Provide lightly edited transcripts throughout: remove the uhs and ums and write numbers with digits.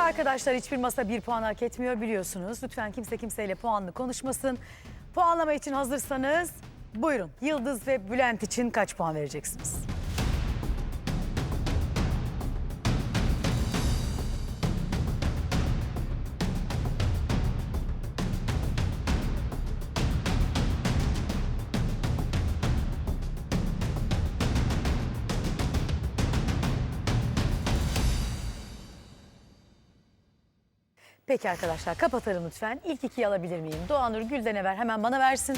Arkadaşlar hiçbir masa bir puan hak etmiyor biliyorsunuz. Lütfen kimse kimseyle puanlı konuşmasın. Puanlama için hazırsanız buyurun. Yıldız ve Bülent için kaç puan vereceksiniz? Peki arkadaşlar kapatalım lütfen. İlk ikiyi alabilir miyim? Doğanur Gülden'e ver, hemen bana versin.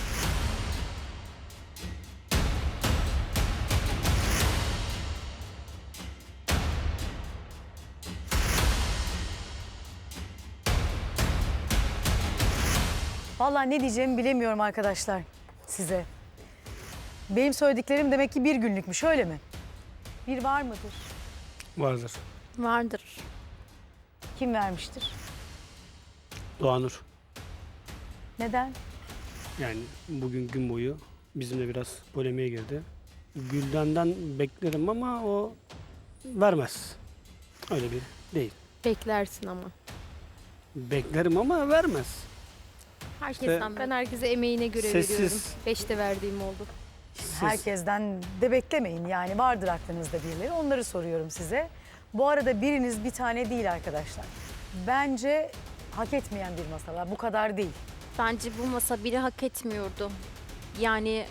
Vallahi ne diyeceğimi bilemiyorum arkadaşlar size. Benim söylediklerim demek ki bir günlükmüş, öyle mi? Bir var mıdır? Vardır. Vardır. Kim vermiştir? Doğanur. Neden? Yani bugün gün boyu bizimle biraz polemiğe girdi. Gülden'den beklerim ama o vermez. Öyle bir değil. Beklersin ama. Beklerim ama vermez. Herkesten ben herkese emeğine göre Sessiz. veriyorum. 5'te verdiğim oldu. Herkesten de beklemeyin, yani vardır aklınızda birileri, onları soruyorum size. Bu arada biriniz bir tane değil arkadaşlar. Bence hak etmeyen bir masalar, bu kadar değil. Bence bu masa biri hak etmiyordu. Yani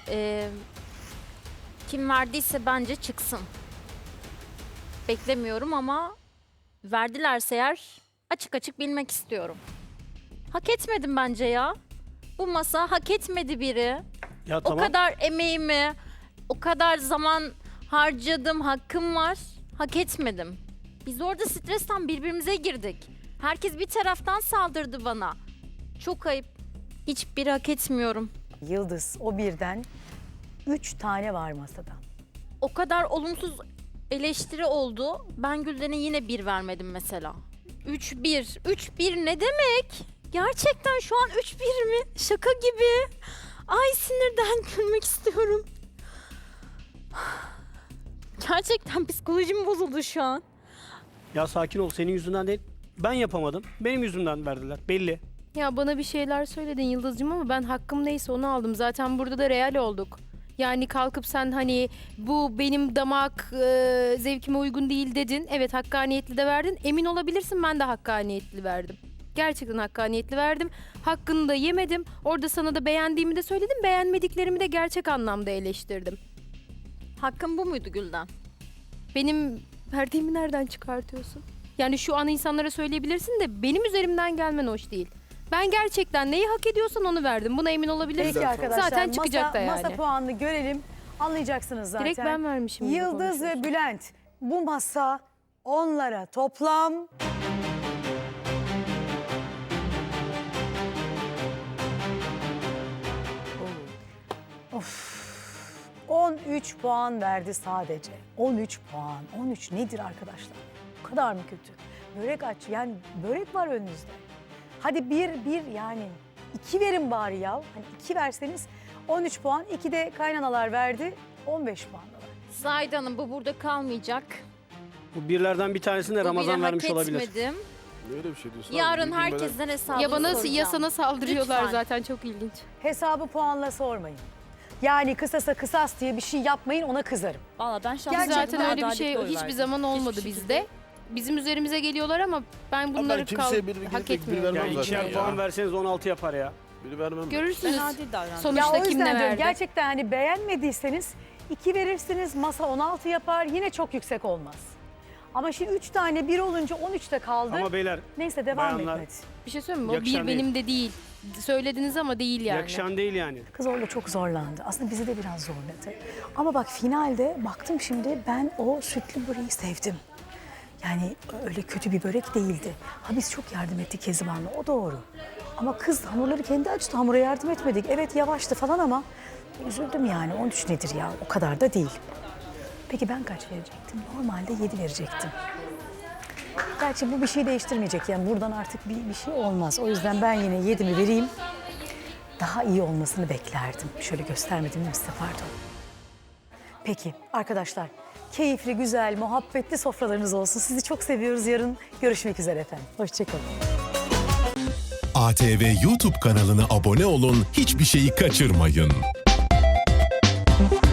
kim verdiyse bence çıksın. Beklemiyorum ama verdilerse eğer açık açık bilmek istiyorum. Hak etmedim bence ya. Bu masa hak etmedi biri. Ya tamam. O kadar emeğimi, o kadar zaman harcadım, hakkım var. Hak etmedim. Biz orada stresten birbirimize girdik. Herkes bir taraftan saldırdı bana. Çok ayıp. Hiçbiri hak etmiyorum. Yıldız, o birden 3 tane var masada. O kadar olumsuz eleştiri oldu. Ben Gülden'e yine 1 vermedim mesela. 3-1. 3-1 ne demek? Gerçekten şu an 3-1 mi? Şaka gibi. Ay sinirden gülmek istiyorum. Gerçekten psikolojim bozuldu şu an. Ya sakin ol, senin yüzünden değil. Ben yapamadım. Benim yüzümden verdiler. Belli. Ya bana bir şeyler söyledin Yıldız'cığım ama ben hakkım neyse onu aldım. Zaten burada da real olduk. Yani kalkıp sen hani bu benim damak zevkime uygun değil dedin. Evet hakkaniyetli de verdin. Emin olabilirsin ben de hakkaniyetli verdim. Gerçekten hakkaniyetli verdim. Hakkını da yemedim. Orada sana da beğendiğimi de söyledim. Beğenmediklerimi de gerçek anlamda eleştirdim. Hakkım bu muydu Gülden? Benim verdiğimi nereden çıkartıyorsun? Yani şu an insanlara söyleyebilirsin de benim üzerimden gelmen hoş değil. Ben gerçekten neyi hak ediyorsan onu verdim. Buna emin olabilirsin. Peki arkadaşlar, Zaten çıkacak da yani. masa puanını görelim. Anlayacaksınız zaten. Direkt ben vermişim gibi Yıldız ve konuşuyorsun. Bülent, bu masa onlara toplam... Of. 13 puan verdi sadece. 13 puan. 13 nedir arkadaşlar? Bu kadar mı kötü? Börek aç. Yani börek var önünüzde. Hadi bir yani 2 verin bari ya. Hani 2 verseniz 13 puan. 2 de kaynanalar verdi. 15 puandalar. Zahide Hanım bu burada kalmayacak. Bu birlerden bir tanesini de Bu Ramazan biri vermiş hak olabilir. etmedim. Öyle bir şey diyorsun. Yarın abi, herkesten hesabını Ya bana soracağım. ya sana saldırıyorlar Lütfen. zaten çok ilginç. Hesabı puanla sormayın. Yani kısasa kısas diye bir şey yapmayın, ona kızarım. Valla ben şahsen Gerçekten Zaten öyle bir şey adaletli oy hiçbir verdim. zaman olmadı Hiçbir bizde. şekilde. Bizim üzerimize geliyorlar ama ben bunları kimseye biri hak gidip bir etmiyorum. vermem Yani zaten ikişer ya. puan verseniz 16 yapar ya. Biri vermem. Görürsünüz. Ben adil davrandım. Ya Sonuçta o kim yüzden ne diyorum, verdi? gerçekten hani beğenmediyseniz 2 verirsiniz, masa 16 yapar, yine çok yüksek olmaz. Ama şimdi 3 tane 1 olunca 13'te kaldı. Ama beyler Neyse devam bayanlar- et hadi. Bir şey söyleyeyim mi? O Yakışan bir değil. benim de değil. Söylediniz ama değil yani. yakışan değil yani. Kız orada çok zorlandı. Aslında bizi de biraz zorladı. Ama bak finalde baktım şimdi, ben o sütlü böreği sevdim. Yani öyle kötü bir börek değildi. Ha biz çok yardım ettik Kezban'la, o doğru. Ama kız hamurları kendi açtı, hamura yardım etmedik. Evet yavaştı falan ama üzüldüm yani. 13 nedir ya, o kadar da değil. Peki ben kaç verecektim? Normalde 7 verecektim. Gerçi bu bir şey değiştirmeyecek. Yani buradan artık bir şey olmaz. O yüzden ben yine 7'mi vereyim. Daha iyi olmasını beklerdim. Şöyle göstermedim mi size, pardon. Peki arkadaşlar, keyifli, güzel, muhabbetli sofralarınız olsun. Sizi çok seviyoruz. Yarın görüşmek üzere efendim. Hoşçakalın. ATV YouTube kanalına abone olun, hiçbir şeyi kaçırmayın.